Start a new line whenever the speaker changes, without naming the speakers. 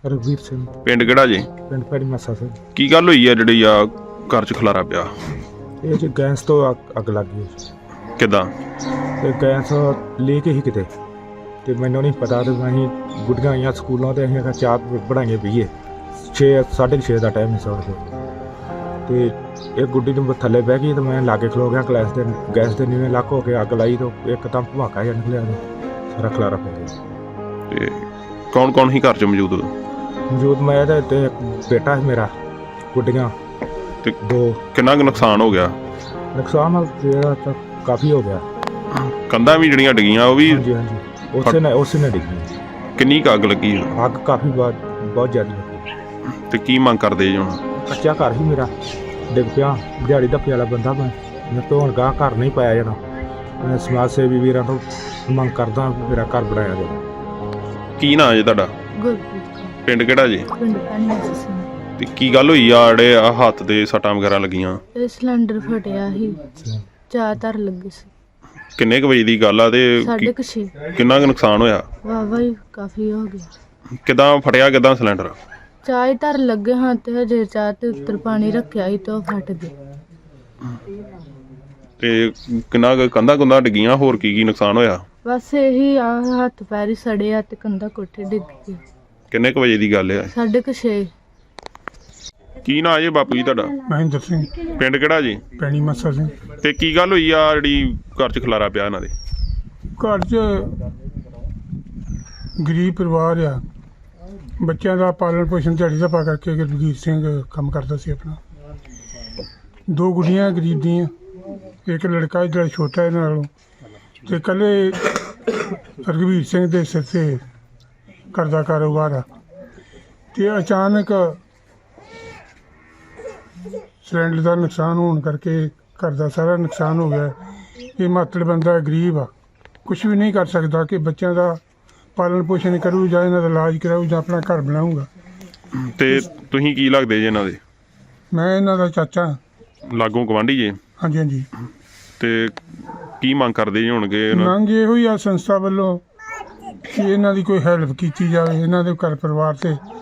ਰਘਵੀਰ ਸਿੰਘ
ਪਿੰਡ ਕਿਹੜਾ ਜੀ?
ਪਿੰਡ ਪੈੜੀ ਮੱਸਾ ਸਿੰਘ।
ਕੀ ਗੱਲ ਹੋਈ ਆ ਜਿਹੜੀ ਆ ਘਰ 'ਚ ਖਲਾਰਾ ਪਿਆ?
ਇਹ ਜੀ ਗੈਸ ਤੋਂ ਅੱਗ ਲੱਗ ਗਈ
ਕਿੱਦਾਂ?
ਤੇ ਗੈਸ ਲੈ ਕੇ ਹੀ ਕਿਤੇ ਤੇ ਮੈਨੂੰ ਨਹੀਂ ਪਤਾ ਤੇ ਅਸੀਂ ਗੁੱਡੀਆਂ ਆਈਆਂ ਸਕੂਲੋਂ ਤੇ ਅਸੀਂ ਚਾਹ ਬਣਾਈਏ ਪੀਏ 6:30 ਦਾ ਟਾਈਮ ਸੀ ਤੇ ਇਹ ਗੁੱਡੀ ਨੂੰ ਥੱਲੇ ਬਹਿ ਗਈ ਤੇ ਮੈਂ ਲਾਗੇ ਖਲੋ ਗਿਆ ਗੈਸ ਦੇ ਨੀਵੇਂ ਲੱਕ ਹੋ ਕੇ ਅੱਗ ਲਾਈ ਤੇ ਇੱਕਦਮ ਧਮਾਕਾ ਜਿਹਾ ਨਿਕਲਿਆ ਸਾਰਾ ਖਲਾਰਾ ਪੈ ਗਿਆ।
ਤੇ ਕੌਣ ਕੌਣ ਹੀ ਘਰ 'ਚ ਮੌਜੂਦ?
ਮੌਜੂਦ ਮੈਂ ਤੇ ਇੱਕ ਬੇਟਾ ਸੀ ਮੇਰਾ, ਗੁੱਡੀਆਂ
ਤੇ
ਦੋ।
ਕਿੰਨਾ ਕੁ ਨੁਕਸਾਨ ਹੋ ਗਿਆ?
ਨੁਕਸਾਨ ਜਿਹੜਾ ਤਾਂ ਕਾਫੀ ਹੋ ਗਿਆ।
ਕੰਧਾਂ ਵੀ ਜਿਹੜੀਆਂ ਡਿੱਗੀਆਂ ਉਹ ਵੀ?
ਹਾਂਜੀ ਹਾਂਜੀ ਉਸੇ ਨੇ ਡਿੱਗੀ।
ਕਿੰਨੀ ਕੁ ਅੱਗ ਲੱਗੀ?
ਅੱਗ ਕਾਫੀ ਬਹੁਤ ਜ਼ਿਆਦਾ ਲੱਗੀ।
ਤੇ ਕੀ ਮੰਗ ਕਰਦੇ ਜੀ ਹੁਣ?
ਕੱਚਾ ਘਰ ਹੀ ਮੇਰਾ ਡਿੱਗ ਪਿਆ, ਦਿਹਾੜੀ ਧੱਪੇ ਵਾਲਾ ਬੰਦਾ ਮੈਂ ਧੋਣ ਗਾਹ ਘਰ ਨਹੀਂ ਪਾਇਆ ਜਾਣਾ। ਮੈਂ ਸਮਾਜ ਸੇਵੀ ਵੀਰਾਂ ਤੋਂ ਮੰਗ ਕਰਦਾ ਮੇਰਾ ਘਰ ਬਣਾਇਆ ਜਾਵੇ।
ਕੀ ਨਾਂ ਜੀ ਤੁਹਾਡਾ?
ਗੁਰਪ੍ਰੀਤ ਕੌਰ।
ਪਿੰਡ ਕਿਹੜਾ ਜੀ?
ਪਿੰਡ ਪੈਣੀ ਮੱਸਾ ਸਿੰਘ।
ਤੇ ਕੀ ਗੱਲ ਹੋਈ ਆ ਜਿਹੜੇ ਆ ਹੱਥ ਦੇ ਸੱਟਾਂ ਵਗੈਰਾ ਲੱਗੀਆਂ?
ਇਹ ਸਿਲੰਡਰ ਫਟਿਆ ਸੀ, ਚਾਹ ਧਰ ਲੱਗੀ ਸੀ।
ਕਿੰਨੇ ਕੁ ਵਜੇ ਦੀ ਗੱਲ ਆ ਤੇ
6:30
ਕਿੰਨਾ ਕੁ ਨੁਕਸਾਨ ਹੋਇਆ?
ਵਾਹਵਾ ਹੀ ਕਾਫੀ ਹੋ ਗਿਆ।
ਕਿੱਦਾਂ ਫਟਿਆ ਕਿੱਦਾਂ ਸਿਲੰਡਰ?
ਚਾਹ ਹੀ ਧਰ ਲੱਗੇ ਹਾਂ ਤੇ ਹਜੇ ਚਾਹ ਤੇ ਉੱਤਰ ਪਾਣੀ ਰੱਖਿਆ ਸੀ ਤੇ ਉਹ ਫਟ ਗਿਆ।
ਤੇ ਕਿੰਨਾ ਕੁ ਕੰਧਾਂ ਕੁੰਧਾਂ ਡਿੱਗੀਆਂ? ਹੋਰ ਕੀ ਨੁਕਸਾਨ ਹੋਇਆ?
ਬਸ ਇਹੀ ਆ, ਹੱਥ ਪੈਰ ਹੀ ਸੜੇ ਆ ਤੇ ਕੰਧਾ ਕੋਠੇ ਡਿੱਗ ਗਈ।
ਕਿੰਨੇ ਕੁ ਵਜੇ ਦੀ ਗੱਲ ਆ?
6:30।
ਕੀ ਨਾਂ ਜੀ ਬਾਪੂ ਜੀ ਤੁਹਾਡਾ?
ਮਹਿੰਦਰ ਸਿੰਘ
ਪਿੰਡ ਕਿਹੜਾ ਜੀ?
ਪੈਣੀ ਮੱਸਾ ਸਿੰਘ।
ਤੇ ਕੀ ਗੱਲ ਹੋਈ ਆ ਜਿਹੜੀ ਘਰ 'ਚ ਖਲਾਰਾ ਪਿਆ ਇਹਨਾਂ ਦੇ?
ਘਰ 'ਚ ਗਰੀਬ ਪਰਿਵਾਰ ਆ, ਬੱਚਿਆਂ ਦਾ ਪਾਲਣ ਪੋਸ਼ਣ ਦਿਹਾੜੀ ਦਾ ਪਾ ਕਰਕੇ ਰਘਵੀਰ ਸਿੰਘ ਕੰਮ ਕਰਦਾ ਸੀ ਆਪਣਾ। ਦੋ ਗੁੱਡੀਆਂ ਗਰੀਬ ਦੀਆਂ, ਇੱਕ ਲੜਕਾ ਜਿਹੜਾ ਛੋਟਾ ਇਹਨਾਂ ਨਾਲੋਂ, ਤੇ ਇਕੱਲੇ ਰਘਵੀਰ ਸਿੰਘ ਦੇ ਸਿਰ 'ਤੇ ਘਰ ਦਾ ਕਾਰੋਬਾਰ ਆ। ਤੇ ਅਚਾਨਕ ਸਿਲੰਡਰ ਦਾ ਨੁਕਸਾਨ ਹੋਣ ਕਰਕੇ ਘਰ ਦਾ ਸਾਰਾ ਨੁਕਸਾਨ ਹੋ ਗਿਆ। ਇਹ ਮਾਤੜ ਬੰਦਾ ਗਰੀਬ ਆ, ਕੁਛ ਵੀ ਨਹੀਂ ਕਰ ਸਕਦਾ ਕਿ ਬੱਚਿਆਂ ਦਾ ਪਾਲਣ ਪੋਸ਼ਣ ਕਰੂ ਜਾਂ ਇਹਨਾਂ ਦਾ ਇਲਾਜ ਕਰਾਊ ਜਾਂ ਆਪਣਾ ਘਰ ਬਣਾਊਗਾ।
ਤੇ ਤੁਸੀਂ ਕੀ ਲੱਗਦੇ ਜੀ ਇਹਨਾਂ ਦੇ?
ਮੈਂ ਇਹਨਾਂ ਦਾ ਚਾਚਾ।
ਲਾਗੋਂ ਗਵਾਂਢੀ ਜੀ?
ਹਾਂਜੀ ਹਾਂਜੀ।
ਤੇ ਕੀ ਮੰਗ ਕਰਦੇ ਜੀ ਹੋਣਗੇ?
ਮੰਗ ਇਹੋ ਹੀ ਆ ਸੰਸਥਾ ਵੱਲੋਂ ਕਿ ਇਹਨਾਂ ਦੀ ਕੋਈ ਹੈਲਪ ਕੀਤੀ ਜਾਵੇ, ਇਹਨਾਂ ਦੇ ਘਰ ਪਰਿਵਾਰ 'ਤੇ